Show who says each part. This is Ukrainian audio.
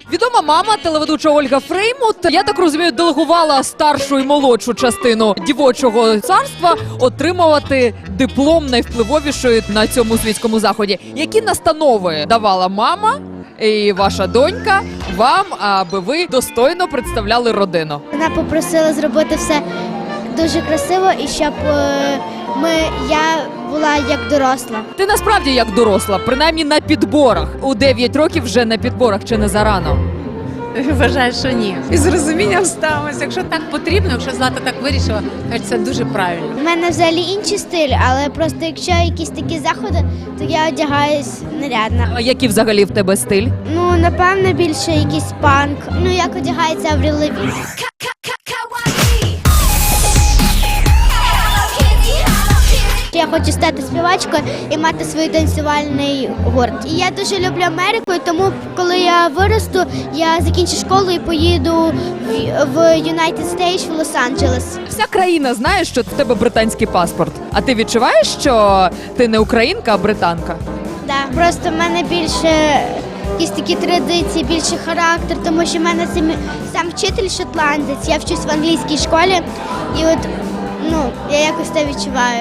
Speaker 1: Відома мама, телеведуча Ольга Фреймут, я так розумію, делегувала старшу і молодшу частину дівочого царства отримувати диплом найвпливовішої на цьому світському заході. Які настанови давала мама і ваша донька вам, аби ви достойно представляли родину?
Speaker 2: Вона попросила зробити все дуже красиво і щоб я була як доросла.
Speaker 1: Ти насправді як доросла, принаймні на підборах. У 9 років вже на підборах, чи не зарано?
Speaker 3: Вважаю, що ні. І з розумінням ставимося. Якщо так потрібно, якщо Злата так вирішила, то це дуже правильно.
Speaker 2: У мене взагалі інший стиль, але просто якщо якісь такі заходи, то я одягаюсь нарядно.
Speaker 1: А який взагалі в тебе стиль?
Speaker 2: Ну, напевно, більше якийсь панк. Ну, як одягається Аврил Лавін. Я хочу стати співачкою і мати свій танцювальний гурт. І я дуже люблю Америку, і тому коли я виросту, я закінчу школу і поїду в United States, в Лос-Анджелес.
Speaker 1: Вся країна знає, що в тебе британський паспорт. А ти відчуваєш, що ти не українка, а британка?
Speaker 2: Да. Просто в мене більше якісь такі традиції, більше характер, тому що в мене сам вчитель шотландець, я вчусь в англійській школі, і от я якось це відчуваю.